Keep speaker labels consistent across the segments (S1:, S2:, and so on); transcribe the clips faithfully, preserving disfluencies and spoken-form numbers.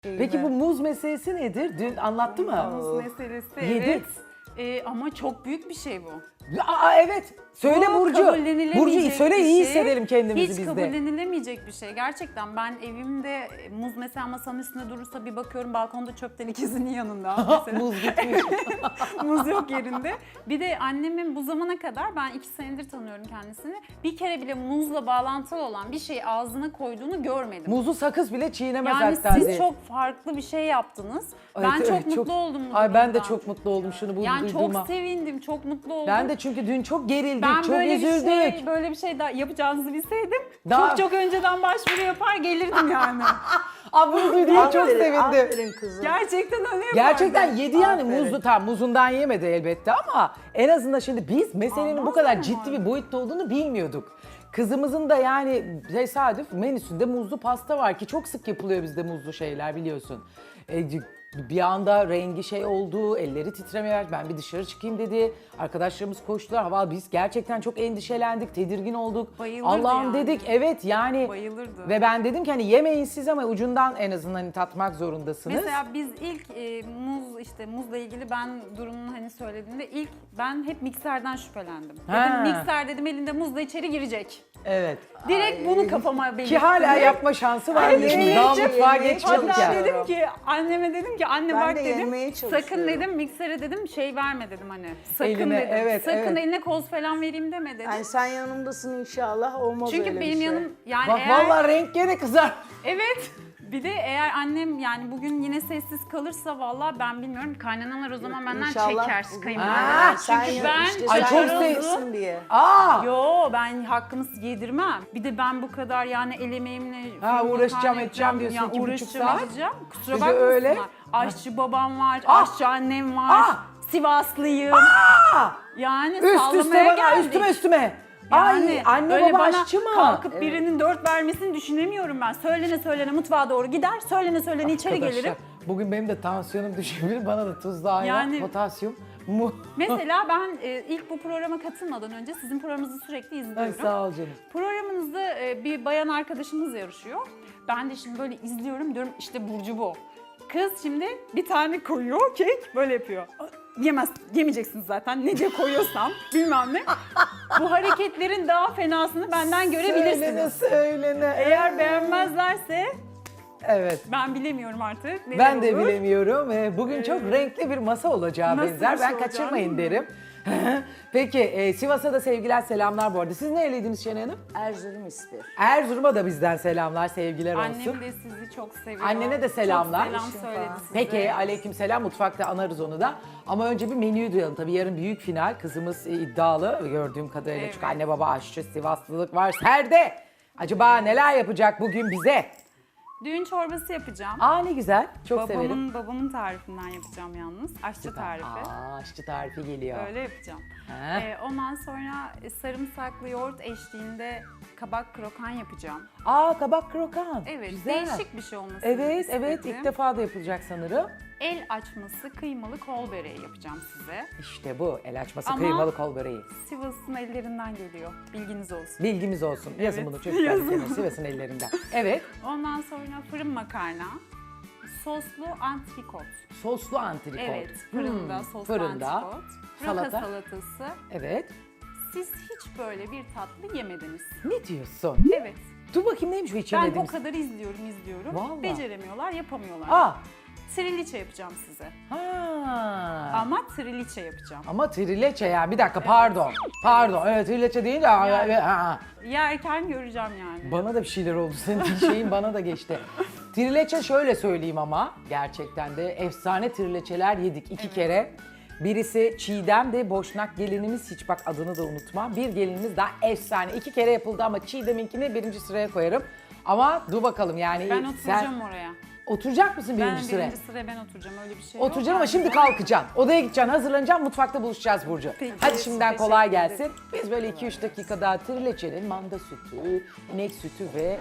S1: Peki bu muz meselesi nedir? Dün anlattı mı?
S2: Muz meselesi
S1: Yedik.
S2: evet. Ee, ama çok büyük bir şey bu.
S1: Aa evet. Söyle
S2: Bu
S1: Burcu.
S2: kabullenilemeyecek
S1: Burcu söyle
S2: bir
S1: iyi
S2: şey.
S1: hissedelim kendimizi
S2: Hiç
S1: biz de.
S2: kabullenilemeyecek bir şey. Gerçekten ben evimde e, muz mesela masanın üstünde durursa bir bakıyorum balkonda çöpten ikisinin yanında. Mesela.
S1: Muz gitmiş.
S2: Muz yok yerinde. Bir de annemin bu zamana kadar ben iki senedir tanıyorum kendisini. Bir kere bile muzla bağlantılı olan bir şeyi ağzına koyduğunu görmedim.
S1: Muzu sakız bile çiğnemez
S2: Yani
S1: hatta
S2: siz
S1: diye.
S2: çok farklı bir şey yaptınız.
S1: Evet,
S2: ben çok
S1: evet,
S2: mutlu oldum bu
S1: Ay ben de
S2: durumdan.
S1: çok mutlu oldum şunu bu
S2: Yani
S1: duyduğuma.
S2: çok sevindim, çok mutlu oldum.
S1: Ben de çünkü dün çok gerildik,
S2: Ben
S1: çok
S2: böyle
S1: üzüldük.
S2: bir şey, böyle bir şey daha yapacağınızı bilseydim
S1: Daha-
S2: çok çok önceden başvuru yapar gelirdim yani.
S1: Aa bunu duyduğuma çok
S3: Aferin,
S1: sevindim.
S3: Aferin kızım.
S2: Gerçekten öyle yapardım.
S1: Gerçekten yedi yani
S3: Aferin.
S1: muzlu tam muzundan yemedi elbette ama en azından şimdi biz meselenin bu
S2: Aman
S1: kadar
S2: aman.
S1: ciddi bir boyutta olduğunu bilmiyorduk. Kızımızın da yani tesadüf menüsünde muzlu pasta var ki çok sık yapılıyor bizde muzlu şeyler biliyorsun. E, bir anda rengi şey oldu, elleri titremeye başladı. Ben bir dışarı çıkayım dedi. Arkadaşlarımız koştular. Hava biz gerçekten çok endişelendik, tedirgin olduk.
S2: Bayılırdı
S1: Allah'ım
S2: yani.
S1: dedik evet yani.
S2: Bayılırdı.
S1: Ve ben dedim ki hani yemeyin siz ama ucundan en azından hani tatmak zorundasınız.
S2: Mesela biz ilk e, muz işte muzla ilgili ben durumunu hani söylediğimde ilk ben hep mikserden şüphelendim.
S1: Ha.
S2: Dedim mikser dedim elinde muzla içeri girecek.
S1: Evet.
S2: Direkt bunu kafama belirttim.
S1: Ki hala yapma şansı var.
S3: Ay,
S1: dedim.
S3: yemeğe
S1: Daha
S3: çok-
S1: mutfağa
S3: yemeğe
S1: geçmedik
S3: çok-
S1: ya.
S2: Hatta dedim ki anneme dedim ki anne
S3: Ben
S2: bak
S3: de
S2: dedim
S3: yenmeye
S2: sakın
S3: çalışıyorum.
S2: dedim miksere dedim şey verme dedim hani sakın
S1: Eline,
S2: dedim
S1: evet,
S2: sakın
S1: evet.
S2: eline koz falan vereyim deme dedim.
S3: Yani sen yanımdasın inşallah olmaz
S2: Çünkü
S3: öyle bir
S2: benim
S3: şey.
S2: yanım yani
S1: Bak
S2: eğer
S1: vallahi renk gene kızar.
S2: evet bir de eğer annem yani bugün yine sessiz kalırsa vallahi ben bilmiyorum kaynanalar o zaman benden
S3: İnşallah
S2: çeker
S3: bugün-
S2: kayınvalideler.
S1: Aa,
S3: sen
S2: Çünkü
S3: ya-
S2: ben
S3: işte
S1: Ay,
S3: sen
S1: çok
S3: yanımdasın diye.
S1: Aa!
S2: Yo ben hakkımı yedirmem. Bir de ben bu kadar yani el emeğimle
S1: Ha,
S2: fırın
S1: uğraşacağım,
S2: makarna
S1: edeceğim
S2: yapacağım.
S1: diyorsun
S2: Ya,
S1: iki buçuk
S2: uğraşacağım,
S1: saat.
S2: edeceğim. Kusura
S1: Bir de
S2: bakmasınlar.
S1: öyle.
S2: Aşçı babam var,
S1: Ah!
S2: aşçı annem var,
S1: Ah!
S2: Sivaslıyım.
S1: Aa!
S2: Yani
S1: Üst üste
S2: sallamaya
S1: bana,
S2: geldik.
S1: üstüme üstüme.
S2: Yani
S1: Ay anne
S2: öyle
S1: baba
S2: bana
S1: aşçı mı?
S2: kalkıp birinin dört vermesini düşünemiyorum ben. Söylene söylene mutfağa doğru gider, söylene söylene içeri
S1: Arkadaşlar,
S2: gelirim.
S1: bugün benim de tansiyonum düşebilir. Bana da tuzlu ayran,
S2: Yani-
S1: potasyum, mu.
S2: Mesela ben e, ilk bu programa katılmadan önce sizin programınızı sürekli
S1: Ay
S2: izliyorum.
S1: sağ ol canım.
S2: Programınızda e, bir bayan arkadaşımız yarışıyor. Ben de şimdi böyle izliyorum diyorum işte Burcu bu. Kız şimdi bir tane koyuyor kek böyle yapıyor. Yemez, yemeyeceksiniz zaten ne diye koyuyorsam bilmem ne. Bu hareketlerin daha fenasını benden
S1: Söylene
S2: görebilirsiniz.
S1: söylene.
S2: Eğer beğenmezlerse
S1: Evet.
S2: ben bilemiyorum artık. neler
S1: Ben de
S2: olur.
S1: bilemiyorum. Ee, Bugün çok renkli bir masa olacağı
S2: Nasıl
S1: benzer.
S2: bir şey
S1: Ben
S2: olacağını
S1: kaçırmayın
S2: bilmiyorum.
S1: derim. Peki e, Sivas'a da sevgiler selamlar bu arada. Siz nereliydiniz Şenay Hanım?
S3: Erzurum ispir.
S1: Erzurum'a da bizden selamlar, sevgiler olsun.
S2: Annem de sizi çok seviyor.
S1: Annene de selamlar.
S2: Çok selam söyledi size.
S1: Peki aleyküm selam, mutfakta anarız onu da. Ama önce bir menüyü duyalım. Tabii yarın büyük final. Kızımız e, iddialı gördüğüm kadarıyla.
S2: Evet.
S1: Çünkü anne baba aşçı, Sivaslılık var. Serde. Acaba neler yapacak bugün bize?
S2: Düğün çorbası yapacağım.
S1: Aa ne güzel. Çok
S2: babamın,
S1: severim.
S2: babamın tarifinden yapacağım yalnız. Aşçı tarifi.
S1: Aa aşçı tarifi geliyor.
S2: Öyle yapacağım.
S1: Ha.
S2: Ee, ondan sonra e, sarımsaklı yoğurt eşliğinde kabak krokan yapacağım.
S1: Aa kabak krokan.
S2: Evet,
S1: Güzel.
S2: değişik bir şey olmasını
S1: Evet,
S2: istedim.
S1: evet. İlk defa da yapılacak sanırım.
S2: El açması kıymalı kol böreği yapacağım size.
S1: İşte bu. El açması
S2: Ama-
S1: kıymalı kol böreği.
S2: Sivas'ın ellerinden geliyor. Bilginiz olsun.
S1: Bilgimiz olsun. Yazın
S2: Evet,
S1: bunu çocuklar.
S2: yazın.
S1: bir kenara, Sivas'ın ellerinden. Evet.
S2: Ondan sonra fırın makarna, soslu antrikot.
S1: Soslu antrikot.
S2: Evet, fırında
S1: Hmm,
S2: soslu
S1: fırında.
S2: antrikot. Roka
S1: Salata.
S2: salatası.
S1: Evet.
S2: Siz hiç böyle bir tatlı yemediniz.
S1: Ne diyorsun?
S2: Evet.
S1: Dur bakayım neymiş bu
S2: Ben o
S1: içemediğimiz.
S2: kadar izliyorum, izliyorum.
S1: Vallahi.
S2: Beceremiyorlar, yapamıyorlar.
S1: Aa.
S2: Triliçe yapacağım size.
S1: Ha.
S2: Ama triliçe yapacağım.
S1: Ama trileçe ya. Bir dakika pardon. Pardon. Evet trileçe değil de.
S2: Yani.
S1: Ha.
S2: Yerken göreceğim yani.
S1: Bana da bir şeyler oldu. Senin şeyin bana da geçti. Trileçe şöyle söyleyeyim ama gerçekten de efsane trileçeler yedik iki kere. Birisi Çiğdem'di, Boşnak gelinimiz, hiç bak adını da unutma. Bir gelinimiz daha efsane. İki kere yapıldı ama Çiğdem'inkini birinci sıraya koyarım. Ama dur bakalım yani.
S2: Ben
S1: sen
S2: oturacağım oraya.
S1: oturacak mısın
S2: Ben
S1: birinci sıraya?
S2: birinci sıraya ben oturacağım. Öyle bir şey yok.
S1: Oturacaksın ama
S2: Ben-
S1: şimdi kalkacaksın. Odaya gideceksin, hazırlanacaksın, mutfakta buluşacağız Burcu.
S2: Peki,
S1: Hadi şimdiden
S2: teşekkür
S1: kolay
S2: ederim.
S1: gelsin. Biz böyle iki üç dakika daha trileçenin manda sütü, inek sütü ve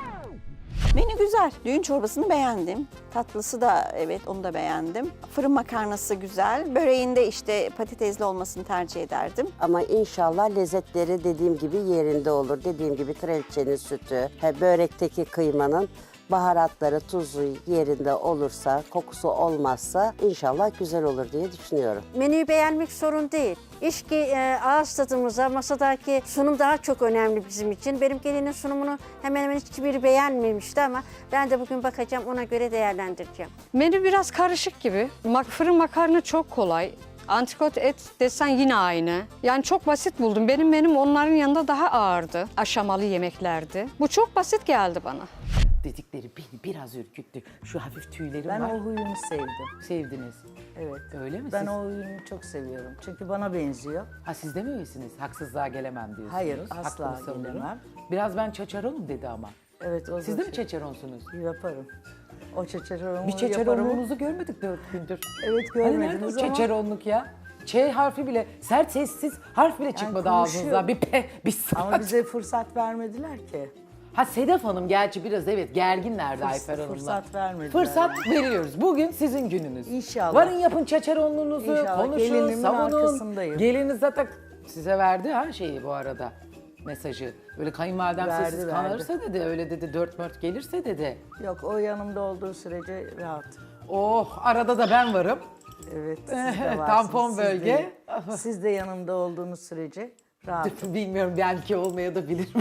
S4: Menü güzel. Düğün çorbasını beğendim. Tatlısı da evet onu da beğendim. Fırın makarnası güzel. Böreğinde işte patatesli olmasını tercih ederdim.
S5: Ama inşallah lezzetleri dediğim gibi yerinde olur. Dediğim gibi trelçenin sütü, he, börekteki kıymanın baharatları, tuzu yerinde olursa, kokusu olmazsa inşallah güzel olur diye düşünüyorum.
S6: Menüyü beğenmek sorun değil. İş ki e, ağız tadımıza, masadaki sunum daha çok önemli bizim için. Benim gelinin sunumunu hemen hemen hiçbiri beğenmemişti ama ben de bugün bakacağım, ona göre değerlendireceğim.
S7: Menü biraz karışık gibi. Mak- Fırın makarna çok kolay. Antrikot et desen yine aynı. Yani çok basit buldum. Benim menüm onların yanında daha ağırdı. Aşamalı yemeklerdi. Bu çok basit geldi bana.
S1: Dedikleri beni biraz ürküttü. Şu hafif tüylerim
S3: Ben
S1: var.
S3: o huyunu sevdim.
S1: Sevdiniz.
S3: Evet.
S1: Öyle mi?
S3: Ben
S1: Siz-
S3: o huyunu çok seviyorum. Çünkü bana benziyor.
S1: Ha siz de mi öylesiniz? Haksızlığa gelemem diyorsunuz.
S3: Hayır,
S1: Hakkımı
S3: asla
S1: savunurum.
S3: gelemem.
S1: Biraz ben çaçaronum dedi ama.
S3: Evet, o
S1: Siz
S3: da
S1: de mi
S3: şey-
S1: çaçaronsunuz?
S3: Yaparım. O çeçeronumu
S1: Bir
S3: yaparım.
S1: çeçaronluğunuzu görmedik dört gündür.
S3: Evet,
S1: Hani nerede o
S3: görmediniz ama.
S1: çeçaronluk ya? Ç harfi bile, sert sessiz harf bile çıkmadı
S3: konuşuyor.
S1: ağzınızdan. Bir pe, bir sak.
S3: Ama bize fırsat vermediler ki.
S1: Ha Sedef Hanım gerçi biraz evet gerginlerdi
S3: Fırs-
S1: Ayfer Hanım'la.
S3: fırsat vermediler.
S1: Fırsat veriyoruz. Bugün sizin gününüz.
S3: İnşallah.
S1: Varın yapın çaçaronluğunuzu,
S3: İnşallah.
S1: konuşun,
S3: Gelinimin
S1: savunun.
S3: arkasındayım.
S1: Geliniz zaten size verdi ha şeyi bu arada mesajı. Böyle kayınvalidem
S3: Verdi,
S1: sessiz
S3: verdi.
S1: kalırsa dedi, öyle dedi, dört mört gelirse dedi.
S3: Yok, o yanımda olduğu sürece rahat.
S1: Oh arada da ben varım.
S3: Evet, siz de varsınız.
S1: Tampon
S3: Siz
S1: bölge.
S3: de- Siz de yanımda olduğunuz sürece rahat.
S1: Bilmiyorum belki olmaya da bilirim.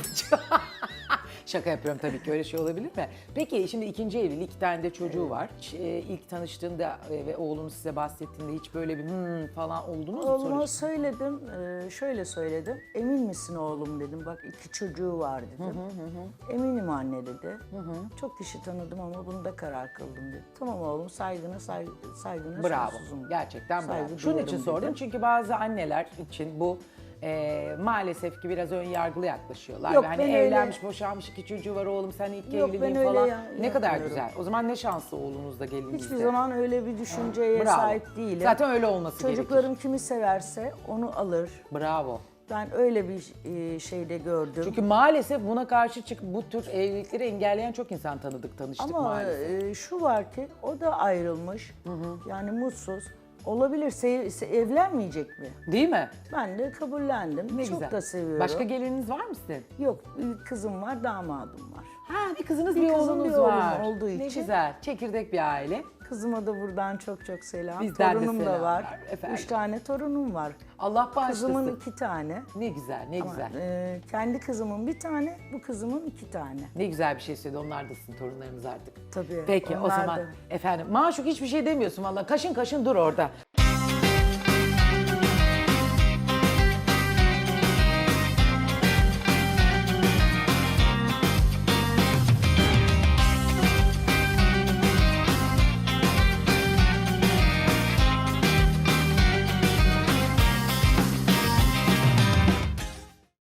S1: Şaka yapıyorum tabii ki öyle şey olabilir mi? Peki şimdi ikinci evli, iki tane de çocuğu var. Hiç, e, ilk tanıştığında e, ve oğlunuz size bahsettiğinde hiç böyle bir hmm falan oldunuz mu?
S3: Oğluma
S1: Sonuç-
S3: söyledim, e, şöyle söyledim. Emin misin oğlum dedim, bak iki çocuğu var dedim. Eminim anne dedi. Çok kişi tanıdım ama bunda karar kıldım dedi. Tamam oğlum, saygına saygı, saygına
S1: Bravo.
S3: sonsuzum.
S1: Gerçekten bravo.
S3: Saygı
S1: Şunun
S3: duyarım
S1: için
S3: dedi.
S1: sordum çünkü bazı anneler için bu e, maalesef ki biraz ön yargılı yaklaşıyorlar.
S3: Yok,
S1: Ve hani
S3: ben öyle-
S1: evlenmiş, boşanmış, iki çocuğu var oğlum sen ilk
S3: Yok, ben
S1: evliliğin
S3: öyle
S1: falan.
S3: ya-
S1: ne kadar
S3: yapmıyorum.
S1: güzel. O zaman ne şanslı oğlunuz da gelininiz
S3: Hiçbir
S1: de.
S3: zaman öyle bir düşünceye
S1: Bravo.
S3: sahip değilim.
S1: Zaten öyle olması
S3: Çocuklarım
S1: gerekir.
S3: kimi severse onu alır.
S1: Bravo.
S3: Ben öyle bir e, şeyde gördüm.
S1: Çünkü maalesef buna karşı çık bu tür evlilikleri engelleyen çok insan tanıdık, tanıştık
S3: Ama
S1: maalesef.
S3: e, şu var ki o da ayrılmış. Yani mutsuz. Olabilir, sev- se- evlenmeyecek mi?
S1: Değil mi?
S3: Ben de kabullendim.
S1: Ne
S3: Çok
S1: güzel.
S3: da seviyorum.
S1: Başka gelininiz var mı sizin?
S3: Yok, bir kızım var, damadım var.
S1: Ha bir kızınız bir,
S3: Bir kızım,
S1: oğlunuz
S3: bir oğlum
S1: var.
S3: olduğu
S1: Ne
S3: için.
S1: güzel. Çekirdek bir aile.
S3: Kızıma da buradan çok çok selam.
S1: Bizden de
S3: Torunum da
S1: selamlar
S3: var.
S1: efendim.
S3: Üç tane torunum var.
S1: Allah bağışlasın.
S3: Kızımın iki tane.
S1: Ne güzel, ne
S3: Ama,
S1: güzel.
S3: e, kendi kızımın bir tane, bu kızımın iki tane.
S1: Ne güzel bir şey söyledi. Onlar da sizin torunlarınız artık.
S3: Tabii.
S1: Peki o
S3: onlar
S1: zaman
S3: da-
S1: efendim Maşuk hiçbir şey demiyorsun valla. Kaşın kaşın dur orada.